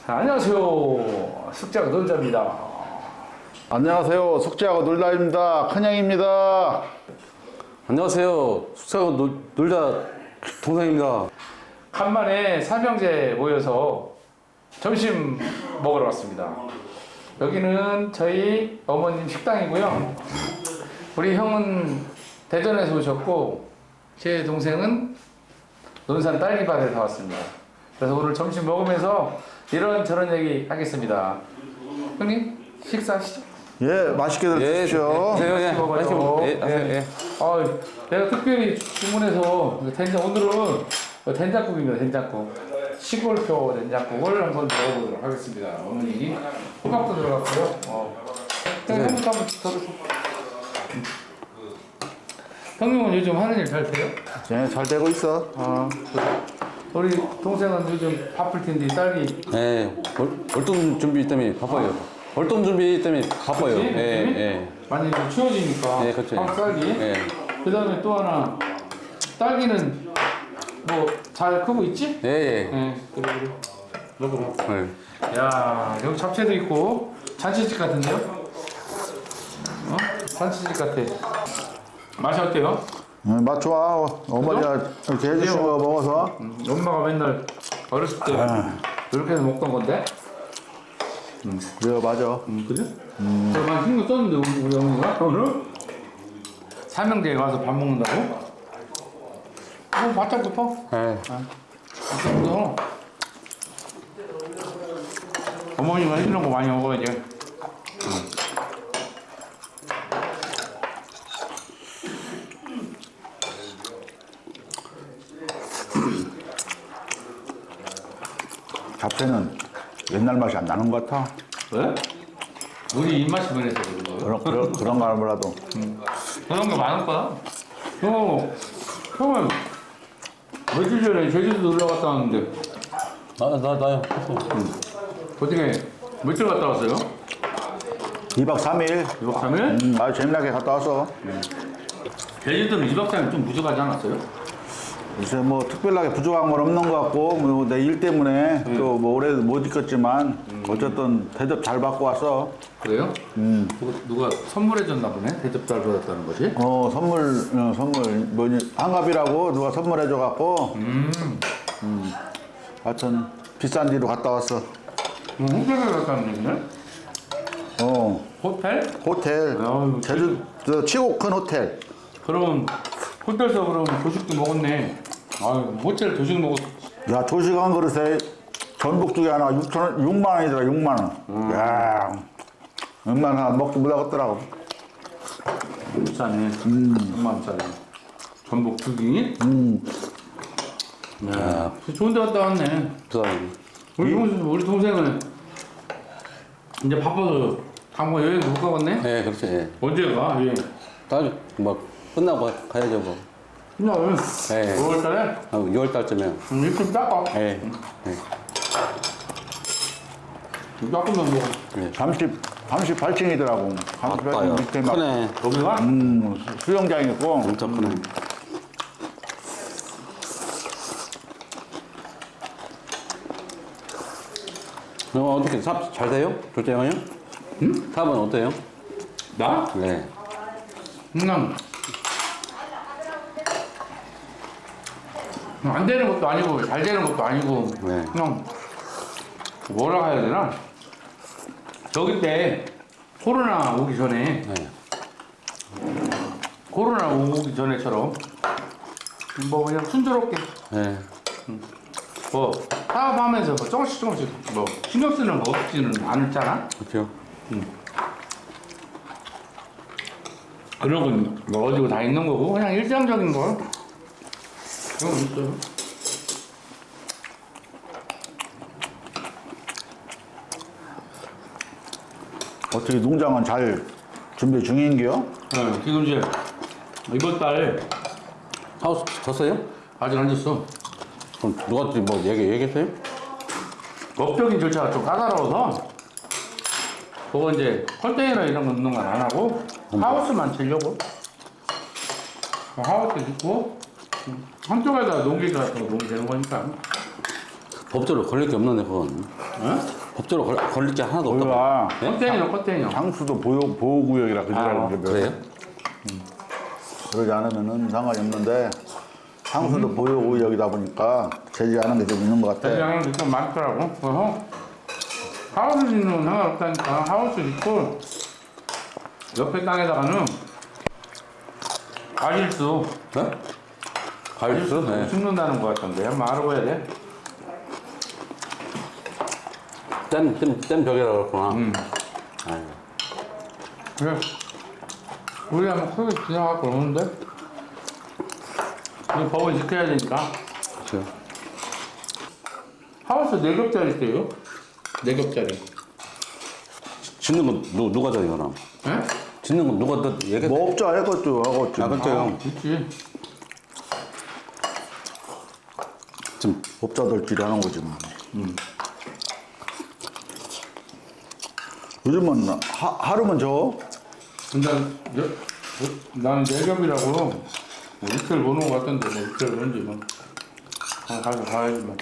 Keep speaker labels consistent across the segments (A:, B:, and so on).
A: 안녕하세요. 숙제하고 놀자입니다.
B: 안녕하세요. 숙제하고 놀다입니다. 큰형입니다.
C: 안녕하세요. 숙사하고 놀자 동상입니다.
A: 간만에 삼형제 모여서 점심 먹으러 왔습니다. 여기는 저희 어머님 식당이고요. 우리 형은 대전에서 오셨고 제 동생은 논산 딸기밭에서 왔습니다. 그래서 오늘 점심 먹으면서 이런저런 얘기 하겠습니다. 형님 식사하시죠?
B: 예, 맛있게 드십시오.
C: 예,
A: 먹어요.
C: 예.
A: 내가 특별히 주문해서 된장 오늘은 된장국입니다. 된장국. 시골표 된장국을 한번 먹어보도록 하겠습니다. 어머니 호박도 들어갔고요. 형님부터 한번 들어주세요. 형님은 요즘 하는 일 잘 돼요?
B: 예, 잘 되고 있어.
A: 우리 동생은 요즘 바쁠 텐데 딸기.
C: 예, 월동 준비 때문에 바빠요. 월동 준비 때문에 바빠요.
A: 그치?
C: 예.
A: 많이 좀 추워지니까.
C: 예, 그렇죠.
A: 딸기.
C: 예.
A: 그 다음에 또 하나 딸기는 뭐 잘 크고 있지?
C: 예.
A: 네, 그래. 먹어봐.
C: 예.
A: 야, 여기 잡채도 있고 잔치집 같은데요? 잔치집 같아. 맛이 어때요?
B: 맛 좋아. 어머니가 이렇게 해주신 거 먹어서.
A: 엄마가 맨날 어렸을 때 이렇게 해서 먹던 건데.
B: 그래, 맞아.
A: 그래? 저만 신경 썼는데 우리 어머니가 오늘 삼형제에 와서 밥 먹는다고? 바짝 붙어?
C: 예.
A: 그래서 어머니가 해주는 거 많이 먹어야지.
B: 잡채는 옛날 맛이 안 나는 것 같아.
A: 왜? 우리 입맛이 변해서 그런 거예요.
B: 그런 거 알더라도.
A: 그런 거 많을 거야. 형은 며칠 전에 제주도 놀러 갔다 왔는데
C: 나요.
A: 어떻게 며칠 갔다 왔어요?
B: 2박 3일.
A: 2박 3일?
B: 아주 재미나게 갔다 왔어.
A: 제주도는 2박 3일 좀 부족하지 않았어요?
B: 글쎄, 뭐, 특별하게 부족한 건 없는 것 같고, 뭐, 내 일 때문에 또 뭐, 올해 못 있겠지만, 어쨌든 대접 잘 받고 왔어.
A: 그래요? 누가 선물해 줬나 보네? 대접 잘 받았다는 거지?
B: 선물, 뭐니, 한갑이라고 누가 선물해줘갖고, 하여튼, 비싼 데로 갔다 왔어.
A: 호텔에 갔다는 얘기네? 호텔?
B: 호텔.
A: 아유,
B: 제주도 최고 큰 호텔.
A: 그럼 호텔에서 그럼 조식도 먹었네. 아유, 호텔 조식 먹었어.
B: 야, 조식 한 그릇에 전복죽이 하나 6만 원이더라, 6만 원. 야, 6만 원 하나 먹지 못하겠더라고.
A: 비싸네. 6만원짜리. 전복 두기. 야, 좋은 데 갔다 왔네.
C: 부산.
A: 우리 동생은 이제 바빠서 한번 여행 못 가봤네?
C: 예, 그렇죠. 예.
A: 언제 가? 예.
C: 다음 뭐 끝나고 가야죠 뭐.
A: 그냥
C: 예.
A: 5월달에
C: 6월 달쯤에.
A: 입좀 닦아.
C: 예.
A: 닦으면 뭐
B: 38층이더라고. 38층 밑에 막
C: 크네.
A: 여기가?
B: 수영장 있고.
C: 진짜 크네. 어떻게 삽 잘 돼요? 둘째 형이요? 응? 삽은 어때요?
A: 나?
C: 네.
A: 그냥 안 되는 것도 아니고 잘 되는 것도 아니고
C: 네.
A: 그냥 뭐라 해야 되나? 저기 때 코로나 오기 전에
C: 네.
A: 코로나 오기 전에처럼 뭐 그냥 순조롭게
C: 네.
A: 뭐 사업하면서 뭐 조금씩 뭐 신경 쓰는 거 없지는 않았잖아.
C: 그렇죠.
A: 그런 건 뭐 어디고 다 있는 거고 그냥 일상적인 거 그런 거 있어요.
B: 어떻게 농장은 잘 준비 중인겨?
A: 네, 지금 이제 이번 달
C: 하우스 졌어요?
A: 아직 안 졌어.
C: 그럼 누가 뭐 얘기했어요?
A: 법적인 절차가 좀 까다로워서 그거 이제 컨테이너 이런 거 넣는 건 안 하고 하우스만 치려고 하우스 짓고 한쪽에다 농기가 더 놓으면 되는 거니까
C: 법적으로 걸릴 게 없는데 그건. 법적으로 걸릴 게 하나도 없다.
B: 우리가
C: 네?
A: 컨테이너 컨테이너.
B: 장수도 보호구역이라 그지라는 게
C: 그래요?
B: 그러지 않으면은 상관이 없는데 장수도 보호구역이다 보니까 제지하는 게 좀 있는 것 같아.
A: 대장은 좀 많더라고. 그래서 하우스 짓는 건 상관없다니까. 하우스 짓고 옆에 땅에다가는 과일수
C: 네? 과일수? 네.
A: 심는다는 거 같던데. 한번 알아봐야 돼.
C: 댐 벽이라고 그랬구나. 아이고.
A: 그래. 우리 한번 크게 지나갖고 오는데. 이 법을 지켜야 되니까.
C: 그렇죠.
A: 하우스 4겹짜리 있어요. 4겹짜리.
C: 짓는 건 누가 져 이거랑?
A: 예?
C: 짓는 건 누가 더 얘기해?
B: 뭐 업자 해것도 하겠지.
C: 아, 그렇죠 형.
A: 있지.
C: 좀
B: 업자들끼리 하는 거지 뭐. 요즘은 하루면 저
A: 근데 나는 4겹이라고 뭐 이틀 보는 거 같던데 뭐 이틀 보는지 뭐. 가서 가야지 뭐.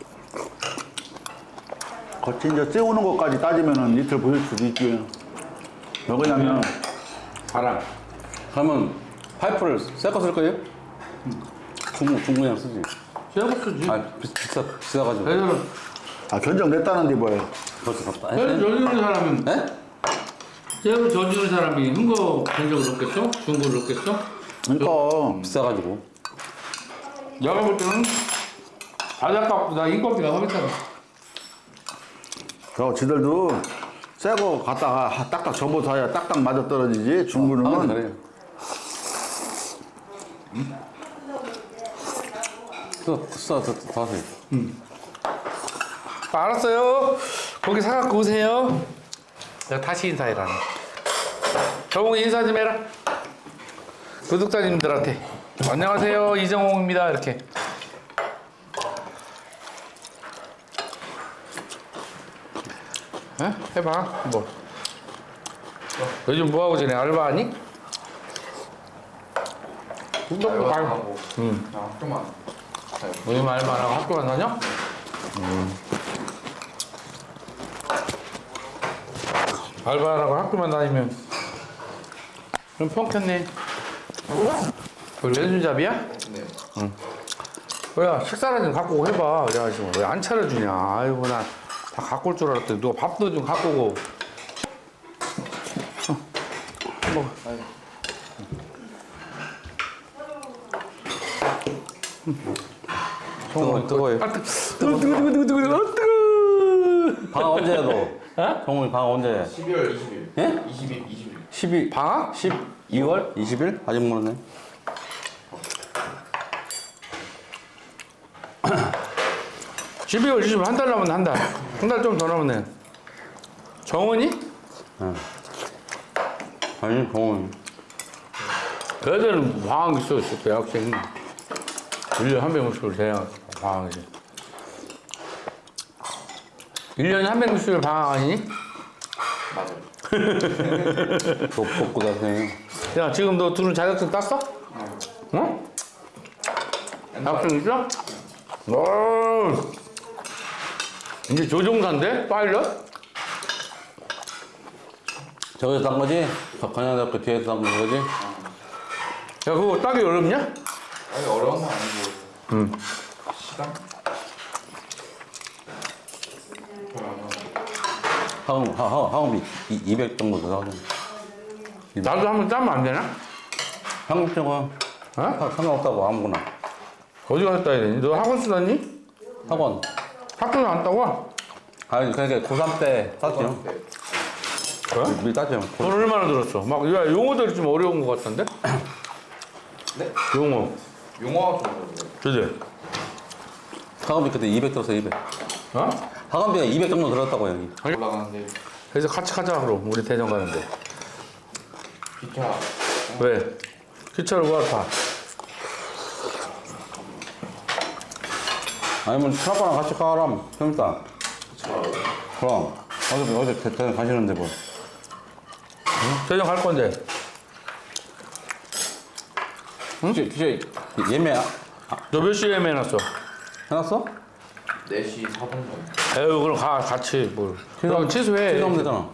B: 거치 이제 세우는 것까지 따지면은 이틀 보일 수도 있지. 왜 그러냐면
A: 바람.
C: 그러면 파이프를 새 거 쓸 거예요? 중국이랑 쓰지.
A: 새거 쓰지.
C: 아 비싸가지고.
A: 배를
B: 견적 냈다는데 뭐예요?
C: 벌써 갔다.
A: 새를 저지르는 사람은
C: 네?
A: 새를 저지르는 사람이 흥거 견적을 넣겠죠? 중고를 넣겠죠?
B: 그러니까
C: 비싸가지고.
A: 내가 볼 때는 바닷값보다 인건비가 훨씬 싸다.
B: 저 지들도 새 거 갖다가 딱딱 접어서야 딱딱 맞아 떨어지지. 중고는
C: 그래요. 더 하세요.
A: 알았어요. 거기 사갖고 오세요. 내가 다시 인사해라. 저보고 인사 좀 해라. 구독자님들한테. 안녕하세요. 이정홍입니다. 이렇게. 에? 해봐. 뭐. 요즘 뭐하고 지내? 알바하니?
D: 알바하고 학교만
A: 요즘 알바하고 학교만 다녀? 알바하라고 학교만 다니면 그럼 평켰네. 그걸 왼손잡이야?
D: 네.
A: 뭐야 식사를 좀 갖고 오고 해봐. 그래가지고 왜 안 차려주냐. 아이고 나 다 갖고 올 줄 알았더니 누가 밥도 좀 갖고 오고. 먹어.
C: 뜨거워요.
A: 아, 뜨거.
C: 방 언제 해도? 정훈이 방 언제 해?
D: 12월 20일.
C: 예?
D: 20일.
C: 12
A: 방학?
C: 12월 20일? 아직 모르네.
A: 12월 20일 한 달 남았네 한 달. 한 달 좀 더 남았네. 정원이?
C: 아니 정훈이.
A: 애들은 방학 있어 대학생. 1년에 한 명씩을 돼야 방학이지. 1년에 한 명씩을 방학 아니니?
D: 맞아요.
C: 복고 다세요.
A: 야 지금 너 둘은 자격증 땄어? 어? 자격증 있어? 오. 이제 조종사인데? 파일럿?
C: 저기서 딴 거지? 관현대학교 뒤에서 딴 거지?
A: 야 그거 따기 어렵냐?
D: 아니 어려운 건 아니고. 시간?
C: 학원비 200 정도 들어가죠.
A: 나도 한번 따면 안 되나?
C: 한국적은
A: 어?
C: 상관없다고 아무거나.
A: 어디 가서 따야 되니? 너 학원 쓰다니?
C: 학원.
A: 학교는 안 따고?
C: 아니 그러니까 고3 때 땄죠.
A: 그래?
C: 미리 땄죠.
A: 돈 얼마나 들었어? 막 야, 용어들이 좀 어려운 것 같던데?
D: 네?
A: 용어
D: 용어 좀 어려워요.
A: 그지?
C: 학원비 그때 200 들었어 200.
A: 어?
C: 학원비가 200 정도 들었다고 여기.
D: 올라가는데
A: 그래서 같이 가자 그럼 우리 대전 가는데
D: 기차
A: 왜? 기차를 왜 타?
C: 아니면 트라파랑 같이 가라면 재밌다. 그럼 어제 대전 가시는데 뭐.
A: 대전 갈 건데
C: 혹시 예매
A: 너 몇 시에 예매해놨어?
C: 해놨어?
D: 4시 4분 사이.
A: 에휴 그럼 같이 뭘. 그럼 취소해.
C: 취소하면 되잖아.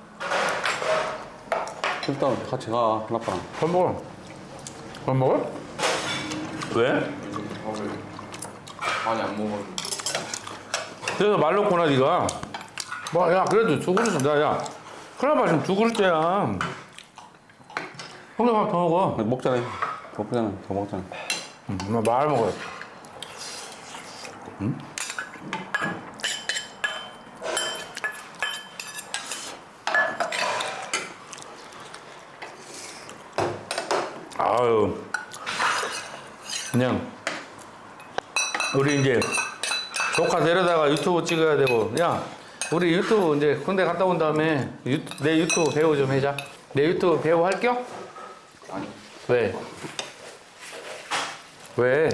C: 일단 같이 가, 큰아빠랑.
A: 밥 먹어. 밥 먹어? 왜?
D: 밥을 많이 안 먹어서.
A: 그래서 말 놓구나 네가. 뭐 야 그래도 두 그릇은 야 큰아빠 지금 두 그릇째야. 혼자 밥 더 먹어.
C: 먹자네. 먹자네. 더 먹자네.
A: 말 먹어요. 아유, 그냥 우리 이제 조카 데려다가 유튜브 찍어야 되고, 야, 우리 유튜브 이제 군대 갔다 온 다음에 내 유튜브 배우 좀 해자. 내 유튜브 배우 할 겨?
D: 아니.
A: 왜? 왜?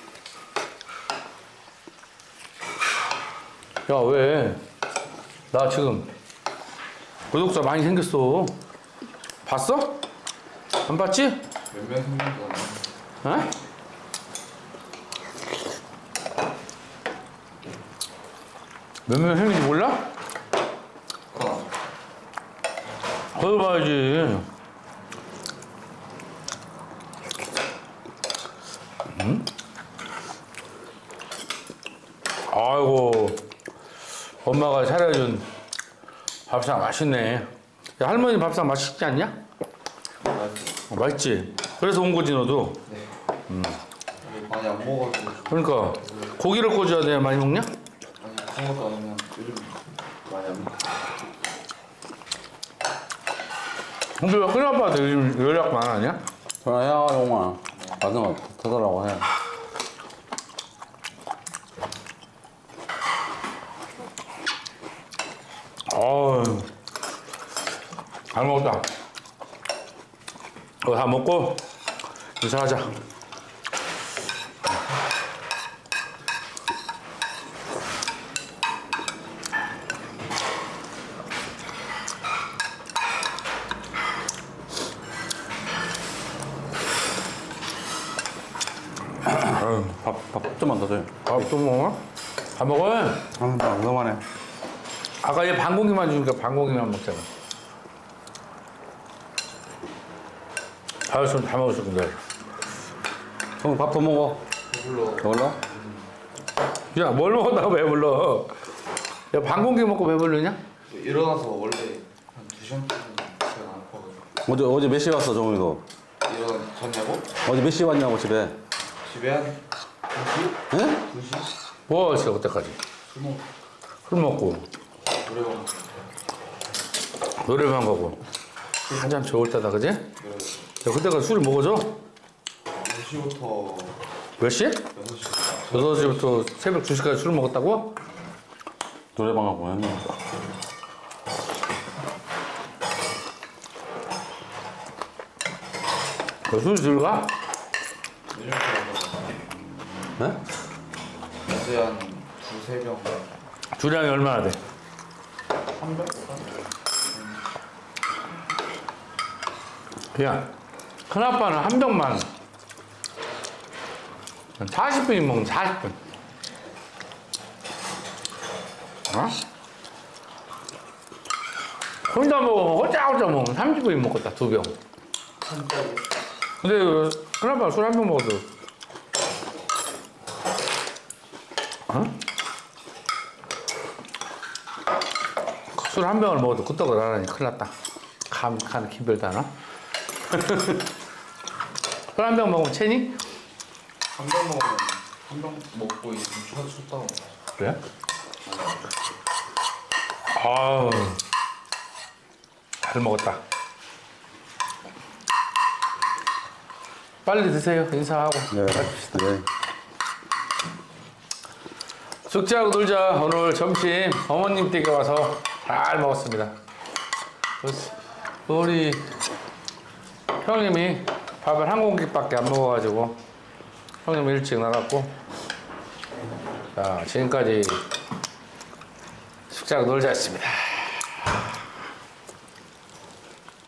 A: 야, 왜? 나 지금 구독자 많이 생겼어. 봤어? 안 봤지?
D: 몇 명 생겼잖아.
A: 어? 몇 명 생긴지 몰라?
D: 그럼
A: 거기 봐야지. 아이고, 엄마가 차려준 밥상 맛있네. 야, 할머니 밥상 맛있지 않냐?
D: 맛있어.
A: 맛있지? 그래서 온 거지, 너도.
D: 네. 많이 안 먹어가지고.
A: 그러니까, 고기를 꽂아야 돼. 많이 먹냐?
D: 아니 그런 것도 아니면 요즘 많이 안 먹어.
A: 근데 왜 큰아빠한테 요즘 연락 안 하냐?
C: 전화해, 용아. 마지막 터달라고 해.
A: 어우, 잘 먹었다. 이거 다 먹고 인사하자.
C: 밥 좀만 더 줘요.
A: 밥또 먹어? 다 먹어?
C: 아, 너무하네.
A: 아까 얘 반고기만 주니까 반고기만 먹잖아. 아유, 다 먹었어, 근데.
C: 형, 밥 더 먹어.
D: 배불러.
C: 더 올라?
A: 야, 뭘 먹었다고 배불러? 야, 반고기 먹고 배불르냐?
D: 일어나서 원래 한 2시간쯤 제가 안 아파가지고.
C: 어제 몇 시에 왔어, 정훈이도?
D: 일어났냐고?
C: 어제 몇 시에 왔냐고, 집에?
D: 집에 한 2시?
C: 응?
D: 2시?
A: 뭐 했어, 그때까지?
D: 술 먹고
A: 술 먹고,
D: 노래방
A: 노래방 가고. 한참 좋을 때다, 그지? 야, 그때까지 술을 먹어줘?
D: 2시부터
A: 몇 시?
D: 6시
A: 6시부터 새벽 2시까지 술 먹었다고?
C: 노래방 가고 했네.
A: 술 들어가?
C: 네?
D: 어제 한 2-3병
A: 주량이 얼마나 돼?
D: 3병?
A: 그냥 큰아빠는 한 병만 40분이 먹으면 40분. 어? 혼자 먹으면 호짜호짜 먹으면 30분이 먹겠다, 2병. 근데 큰아빠 술 한 병 먹어도 어? 술 한 병을 먹어도 끄떡을 안 하니 큰일 났다. 간 기별도 하나? 술 한 병 먹으면 체니?
D: 한 병 먹으면 한 병 먹고 있으면 춥다고.
A: 그래? 아우, 잘 먹었다. 빨리 드세요. 인사하고.
C: 네, 네.
A: 숙제하고 놀자. 오늘 점심 어머님 댁에 와서 잘 먹었습니다. 우리 형님이 밥을 한 공기밖에 안 먹어가지고 형님 일찍 나갔고, 자, 지금까지 숙제하고 놀자였습니다.